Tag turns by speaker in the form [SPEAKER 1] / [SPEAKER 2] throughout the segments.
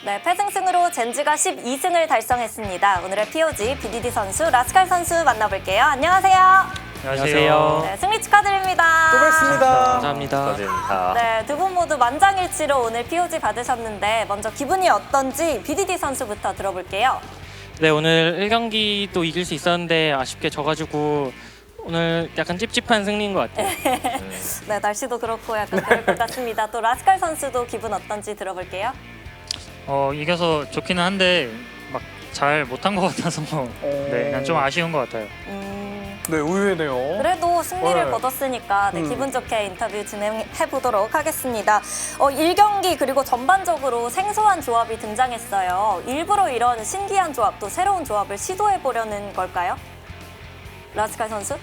[SPEAKER 1] 네, 패승승으로 젠지가 12승을 달성했습니다. 오늘의 POG BDD 선수 라스칼 선수 만나볼게요. 안녕하세요.
[SPEAKER 2] 안녕하세요.
[SPEAKER 1] 네, 승리 축하드립니다.
[SPEAKER 3] 또 뵙습니다.
[SPEAKER 2] 감사합니다.
[SPEAKER 4] 축하드립니다.
[SPEAKER 1] 네, 두 분 모두 만장일치로 오늘 POG 받으셨는데 먼저 기분이 어떤지 BDD 선수부터 들어볼게요.
[SPEAKER 2] 네, 오늘 1경기도 이길 수 있었는데 아쉽게 져가지고 오늘 약간 찝찝한 승리인 것 같아요.
[SPEAKER 1] 네, 날씨도 그렇고 약간 그럴 것 같습니다. 또 라스칼 선수도 기분 어떤지 들어볼게요.
[SPEAKER 5] 이겨서 좋기는 한데 막 잘 못한 것 같아서 네, 그냥 좀 아쉬운 것 같아요.
[SPEAKER 3] 네, 의외네요.
[SPEAKER 1] 그래도 승리를
[SPEAKER 3] 네.
[SPEAKER 1] 거뒀으니까 네, 기분 좋게 인터뷰 진행해 보도록 하겠습니다. 1경기 그리고 전반적으로 생소한 조합이 등장했어요. 일부러 이런 신기한 조합 또 새로운 조합을 시도해 보려는 걸까요? 라스칼 선수?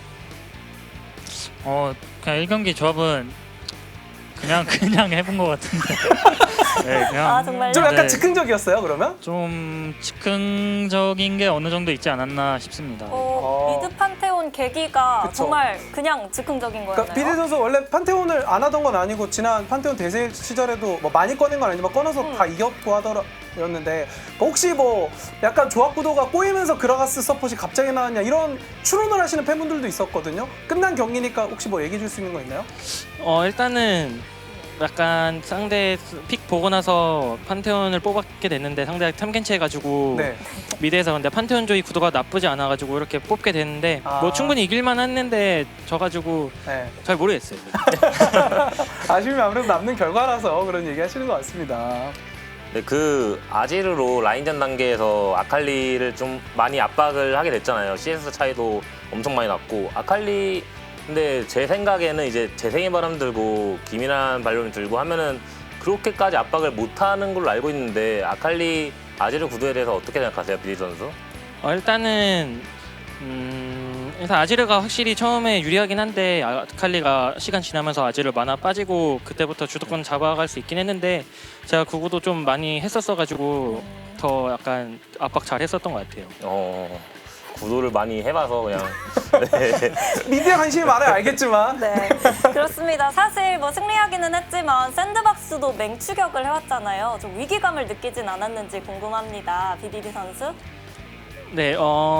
[SPEAKER 5] 그냥 1경기 조합은 그냥 해본 것 같은데. 네, 그냥
[SPEAKER 1] 아, 정말요?
[SPEAKER 3] 좀 약간
[SPEAKER 5] 네,
[SPEAKER 3] 즉흥적이었어요, 그러면?
[SPEAKER 5] 좀 즉흥적인 게 어느 정도 있지 않았나 싶습니다.
[SPEAKER 1] 미드 판테온 계기가
[SPEAKER 3] 그쵸.
[SPEAKER 1] 정말 그냥 즉흥적인 거였나요?
[SPEAKER 3] 그러니까 비디 선수 원래 판테온을 안 하던 건 아니고 지난 판테온 대세 시절에도 뭐 많이 꺼낸 건 아니지만 꺼내서 다 이겼고 하더였는데 혹시 뭐 약간 조합 구도가 꼬이면서 그라가스 서폿이 갑자기 나왔냐 이런 추론을 하시는 팬분들도 있었거든요. 끝난 경기니까 혹시 뭐 얘기해 줄 수 있는 거 있나요?
[SPEAKER 2] 일단은 약간 상대 픽 보고 나서 판테온을 뽑게 됐는데 상대가 탐켄치 해가지고
[SPEAKER 3] 네.
[SPEAKER 2] 미드에서 근데 판테온 조이 구도가 나쁘지 않아가지고 이렇게 뽑게 됐는데
[SPEAKER 3] 아.
[SPEAKER 2] 뭐 충분히 이길만 했는데 져가지고
[SPEAKER 3] 네.
[SPEAKER 2] 잘 모르겠어요.
[SPEAKER 3] 아쉬움이 아무래도 남는 결과라서 그런 얘기 하시는 것 같습니다.
[SPEAKER 4] 네, 그 아지르로 라인전 단계에서 아칼리를 좀 많이 압박을 하게 됐잖아요. CS 차이도 엄청 많이 났고 아칼리 근데 제 생각에는 이제 재생의 바람 들고 기민한 발론 들고 하면은 그렇게까지 압박을 못하는 걸로 알고 있는데 아칼리 아지르 구도에 대해서 어떻게 생각하세요, 비디 선수?
[SPEAKER 2] 일단은 일단 아지르가 확실히 처음에 유리하긴 한데 아칼리가 시간 지나면서 아지르 만화 빠지고 그때부터 주도권 잡아갈 수 있긴 했는데 제가 그거도 좀 많이 했었어가지고 더 약간 압박 잘 했었던 것 같아요.
[SPEAKER 4] 구도를 많이 해봐서 그냥
[SPEAKER 3] 미디어 관심이 많아요, 알겠지만.
[SPEAKER 1] 네, 그렇습니다. 사실 뭐 승리하기는 했지만 샌드박스도 맹추격을 해왔잖아요. 좀 위기감을 느끼진 않았는지 궁금합니다. BDD 선수?
[SPEAKER 2] 네,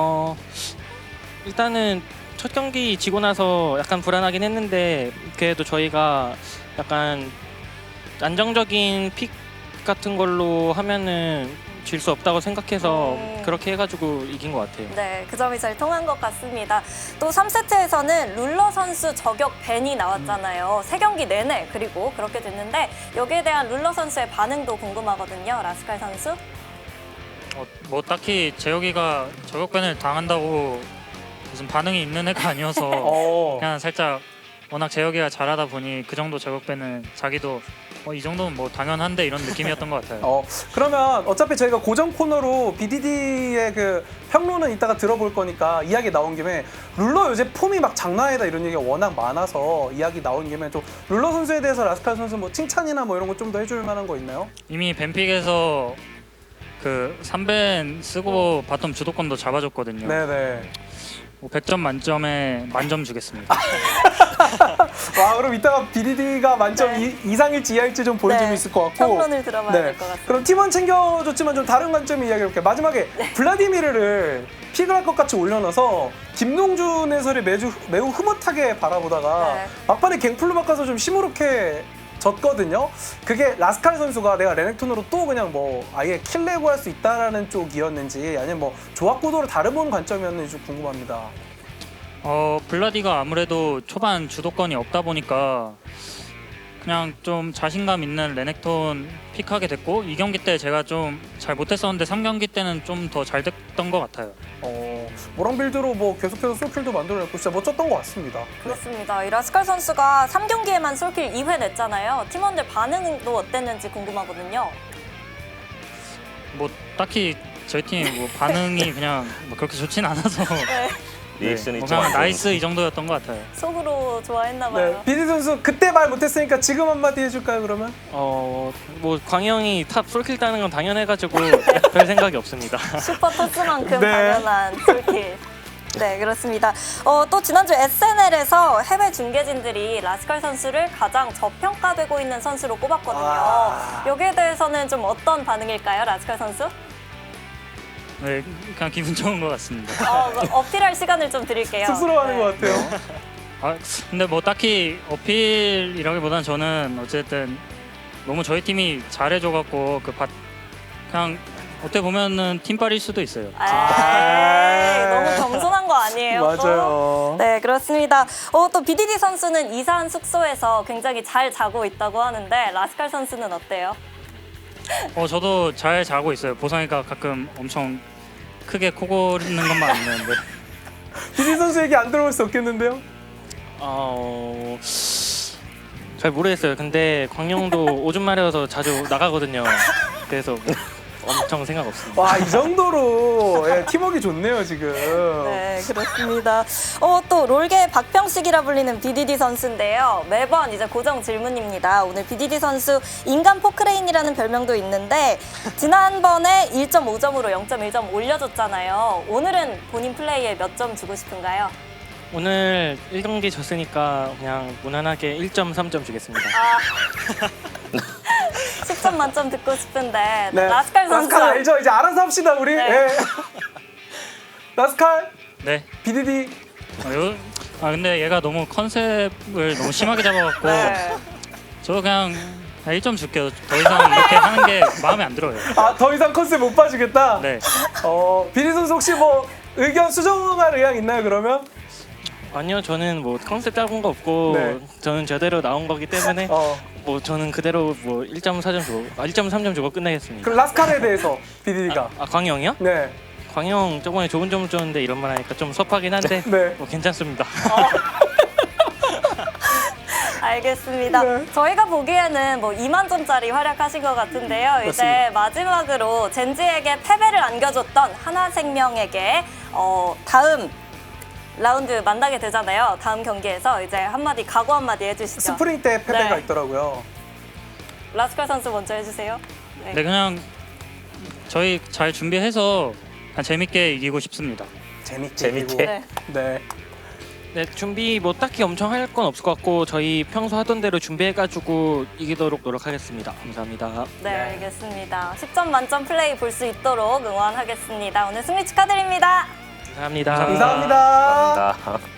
[SPEAKER 2] 일단은 첫 경기 지고 나서 약간 불안하긴 했는데 그래도 저희가 약간 안정적인 픽 같은 걸로 하면은 질 수 없다고 생각해서 그렇게 해가지고 이긴 것 같아요.
[SPEAKER 1] 네, 그 점이 잘 통한 것 같습니다. 또 3세트에서는 룰러 선수 저격 밴이 나왔잖아요. 3경기 내내 그리고 그렇게 됐는데 여기에 대한 룰러 선수의 반응도 궁금하거든요. 라스칼 선수?
[SPEAKER 5] 뭐 딱히 재혁이가 저격밴을 당한다고 무슨 반응이 있는 애가 아니어서 그냥 살짝 워낙 재혁이가 잘하다 보니 그 정도 저격밴은 자기도 이 정도는 뭐 당연한데 이런 느낌이었던 것 같아요.
[SPEAKER 3] 그러면 어차피 저희가 고정 코너로 BDD의 그 평론은 이따가 들어볼 거니까 이야기 나온 김에 룰러 요새 폼이 막 장난 아니다 이런 얘기가 워낙 많아서 이야기 나온 김에 좀 룰러 선수에 대해서 라스칼 선수 뭐 칭찬이나 뭐 이런 거 좀 더 해줄 만한 거 있나요?
[SPEAKER 5] 이미 벤픽에서 그 3벤 쓰고 바텀 주도권도 잡아줬거든요.
[SPEAKER 3] 네네.
[SPEAKER 5] 뭐 100점 만점에 만점 주겠습니다.
[SPEAKER 3] 와, 그럼 이따가 BDD가 만점
[SPEAKER 1] 네.
[SPEAKER 3] 이상일지 이하일지 좀 보여주면
[SPEAKER 1] 네,
[SPEAKER 3] 있을 것 같고.
[SPEAKER 1] 평론을 들어봐야 될 것 같습니다.
[SPEAKER 3] 그럼 팀원 챙겨줬지만 좀 다른 관점을 이야기해볼게요. 마지막에 블라디미르를 픽을 할 것 같이 올려놔서 김동준 해설이 매우 흐뭇하게 바라보다가
[SPEAKER 1] 네.
[SPEAKER 3] 막판에 갱플로 바꿔서 좀 시무룩해 졌거든요. 그게 라스칼 선수가 내가 레넥톤으로 또 그냥 뭐 아예 킬레고 할 수 있다라는 쪽이었는지 아니면 뭐 조합 구도를 다른 본 관점이었는지 좀 궁금합니다.
[SPEAKER 5] 블라디가 아무래도 초반 주도권이 없다 보니까 그냥 좀 자신감 있는 레넥톤 픽하게 됐고 2경기 때 제가 좀 잘 못했었는데 3경기 때는 좀 더 잘 됐던 것 같아요.
[SPEAKER 3] 모랑 빌드로 뭐 계속해서 솔킬도 만들어냈고 진짜 멋졌던 것 같습니다.
[SPEAKER 1] 그렇습니다. 이 라스칼 선수가 3경기에만 솔킬 2회 냈잖아요. 팀원들 반응도 어땠는지 궁금하거든요.
[SPEAKER 5] 뭐 딱히 저희 팀 뭐 반응이 그냥 뭐 그렇게 좋진 않아서
[SPEAKER 1] 네,
[SPEAKER 4] 리액션이
[SPEAKER 5] 뭐
[SPEAKER 4] 좀
[SPEAKER 5] 그냥
[SPEAKER 4] 안 좋은
[SPEAKER 5] 나이스 이 정도였던 것 같아요.
[SPEAKER 1] 속으로 좋아했나 봐요.
[SPEAKER 3] 네, 비디 선수 그때 말 못했으니까 지금 한마디 해줄까요 그러면?
[SPEAKER 2] 뭐 광영이 탑 솔킬 따는 건 당연해가지고 별 생각이 없습니다.
[SPEAKER 1] 슈퍼 토스만큼
[SPEAKER 3] 네.
[SPEAKER 1] 당연한 솔킬. 네, 그렇습니다. 또 지난주 SNL에서 해외 중계진들이 라스칼 선수를 가장 저평가되고 있는 선수로 꼽았거든요.
[SPEAKER 3] 아.
[SPEAKER 1] 여기에 대해서는 좀 어떤 반응일까요, 라스칼 선수?
[SPEAKER 5] 네, 그냥 기분 좋은 것 같습니다.
[SPEAKER 1] 어필할 시간을 좀 드릴게요.
[SPEAKER 3] 쑥스러워하는
[SPEAKER 1] 네.
[SPEAKER 3] 것 같아요.
[SPEAKER 5] 아, 근데 뭐 딱히 어필이라기보다는 저는 어쨌든 너무 저희 팀이 잘해줘갖고 그냥 어떻게 보면은 팀빨일 수도 있어요.
[SPEAKER 1] 에이, 너무 겸손한 거 아니에요? 또?
[SPEAKER 3] 맞아요.
[SPEAKER 1] 네, 그렇습니다. 또 BDD 선수는 이사한 숙소에서 굉장히 잘 자고 있다고 하는데 라스칼 선수는 어때요?
[SPEAKER 5] 저도 잘 자고 있어요. 보성이가 가끔 엄청 크게 코 고르는 것만 안 되는데.
[SPEAKER 3] 비디 선수 얘기 안 들어볼 수 없겠는데요?
[SPEAKER 2] 잘 모르겠어요. 근데 광영도 오줌 마려워서 자주 나가거든요. 그래서 엄청 생각 없습니다.
[SPEAKER 3] 와, 이 정도로 예, 팀워크 좋네요, 지금.
[SPEAKER 1] 네, 그렇습니다. 또 롤계 박병식이라 불리는 BDD 선수인데요. 매번 이제 고정 질문입니다. 오늘 BDD 선수 인간 포크레인이라는 별명도 있는데 지난번에 1.5점으로 0.1점 올려줬잖아요. 오늘은 본인 플레이에 몇 점 주고 싶은가요?
[SPEAKER 2] 오늘 1경기 졌으니까 그냥 무난하게 1.3점 주겠습니다.
[SPEAKER 1] 10점 만점 듣고 싶은데
[SPEAKER 3] 네.
[SPEAKER 1] 라스칼 선수
[SPEAKER 3] 라스칼 알죠? 이제 알아서 합시다, 우리.
[SPEAKER 1] 네.
[SPEAKER 3] 예. 라스칼,
[SPEAKER 5] 네.
[SPEAKER 3] BDD.
[SPEAKER 5] 근데 얘가 너무 컨셉을 너무 심하게 잡아갖고
[SPEAKER 1] 네.
[SPEAKER 5] 저도 그냥 1점 줄게요. 더 이상 이렇게 하는 게 마음에 안 들어요.
[SPEAKER 3] 더 이상 컨셉 못 봐주겠다?
[SPEAKER 5] 네.
[SPEAKER 3] BDD 선수 혹시 뭐 의견 수정할 의향 있나요, 그러면?
[SPEAKER 2] 아니요, 저는 뭐 컨셉 잡은 거 없고
[SPEAKER 3] 네.
[SPEAKER 2] 저는 제대로 나온 거기 때문에 뭐 저는 그대로 뭐 1.4점 주고 1.3점 주고 끝내겠습니다.
[SPEAKER 3] 그럼 라스칼에 대해서 BDD가.
[SPEAKER 2] 광영이요?
[SPEAKER 3] 네.
[SPEAKER 2] 광영 저번에 좋은 점 줬는데 이런 말 하니까 좀 섭하긴 한데
[SPEAKER 3] 네.
[SPEAKER 2] 뭐 괜찮습니다.
[SPEAKER 1] 알겠습니다.
[SPEAKER 3] 네.
[SPEAKER 1] 저희가 보기에는 뭐 2만 점짜리 활약하신 것 같은데요. 이제 마지막으로 젠지에게 패배를 안겨줬던 하나생명에게 다음 라운드 만나게 되잖아요. 다음 경기에서 이제 한마디 각오 한마디 해주시죠.
[SPEAKER 3] 스프링 때 패배가
[SPEAKER 1] 네.
[SPEAKER 3] 있더라고요.
[SPEAKER 1] 라스칼 선수 먼저 해주세요. 네.
[SPEAKER 5] 네, 그냥 저희 잘 준비해서 그냥 재밌게 이기고 싶습니다.
[SPEAKER 3] 재밌게.
[SPEAKER 1] 네.
[SPEAKER 3] 네.
[SPEAKER 2] 네, 준비 뭐 딱히 엄청 할 건 없을 것 같고 저희 평소 하던 대로 준비해가지고 이기도록 노력하겠습니다. 감사합니다.
[SPEAKER 1] 네, 알겠습니다. 10점 만점 플레이 볼 수 있도록 응원하겠습니다. 오늘 승리 축하드립니다.
[SPEAKER 2] 감사합니다.
[SPEAKER 3] 감사합니다.
[SPEAKER 4] 감사합니다.